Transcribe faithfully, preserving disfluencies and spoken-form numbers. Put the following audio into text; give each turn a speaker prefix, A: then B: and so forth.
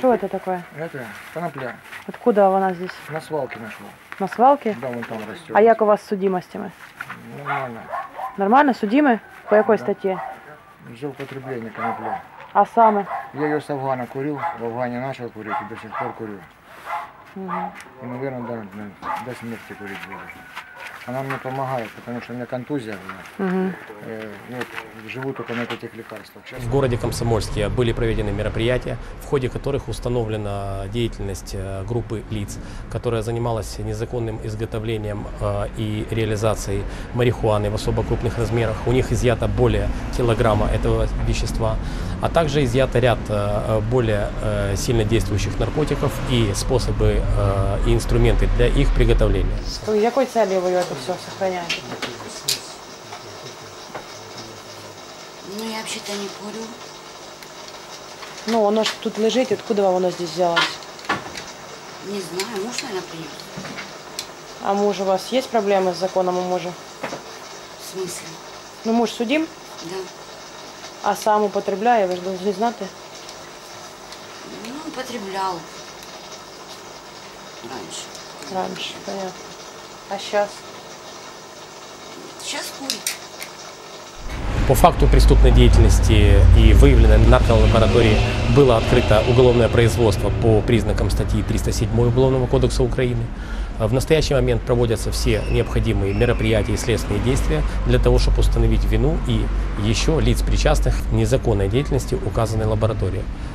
A: Что это такое?
B: Это конопля.
A: Откуда она здесь?
B: На свалке нашел.
A: На свалке?
B: Да, вон там растет.
A: А як у вас з судимостями?
B: Нормально.
A: Нормально? Судимы? По якой
B: Да.
A: статье?
B: За употребление конопля.
A: А саме?
B: Я ее с Афгана курил, в Афгане начал курить и до сих пор курю.
A: Угу.
B: И, наверное, до, до, до смерти курить буду. Она мне помогает, потому что у меня контузия была.
A: Угу.
B: Э, вот, живу только на этих лекарствах. Честно.
C: В городе Комсомольске были проведены мероприятия, в ходе которых установлена деятельность группы лиц, которая занималась незаконным изготовлением и реализацией марихуаны в особо крупных размерах. У них изъято более килограмма этого вещества, а также изъято ряд более сильно действующих наркотиков и способы и инструменты для их приготовления.
A: С какой целью вы это все сохраняете?
D: Ну, я вообще-то не курю.
A: Ну, оно ж тут лежит, откуда вам оно здесь взялось?
D: Не знаю, муж, наверное, принес.
A: А муж у вас есть проблемы с законом у мужа?
D: В смысле?
A: Ну, муж судим,
D: Да.
A: а сам употребляє, ви ж повинні знати.
D: Ну, употреблял. Раньше.
A: Раньше, понятно. А сейчас?
D: Сейчас курит.
C: По факту преступной деятельности и выявленной нарколаборатории было открыто уголовное производство по признакам статьи триста семь Уголовного кодекса Украины. В настоящий момент проводятся все необходимые мероприятия и следственные действия для того, чтобы установить вину и еще лиц, причастных к незаконной деятельности указанной лаборатории.